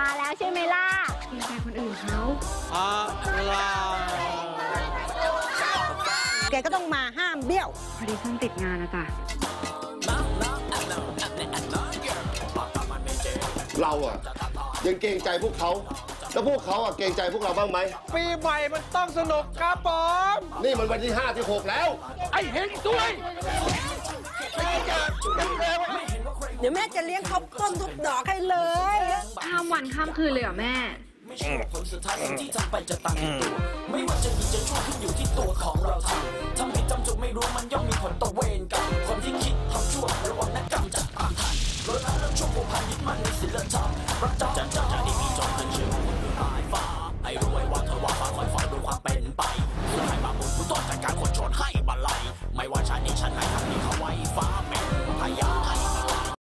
มาแล้วใช่ไหมล่ะเกรงใจคนอื่นเขาแกก็ต้องมาห้ามเบี้ยวพอดีฉันติดงานนะจ๊ะเราอะยังเกรงใจพวกเขาแล้วพวกเขาอะเกรงใจพวกเราบ้างไหมปีใหม่มันต้องสนุกครับผมนี่มันวันที่5 ที่ 6แล้วไอ้เฮงด้วยเดี๋ยวแม่จะเลี้ยงข้าวต้มทุกดอกให้เลยข้ามวันข้ามคืนเลยเหรอแม่ไม่ใช่ผลสุดท้ายสิ่งที่ทำไปจะตามตัวไม่ว่าจะดีจะชั่วขึ้นอยู่ที่ตัวของเราทำผิดจำจงไม่รู้มันย่อมมีผลต่อเวรกรรมคนที่คิดทำชั่วระวังนักกรรมจะตามทันรถน้ำเรื่องชั่วผูกพันยึดมั่นในศีลธรรมรักเจ้า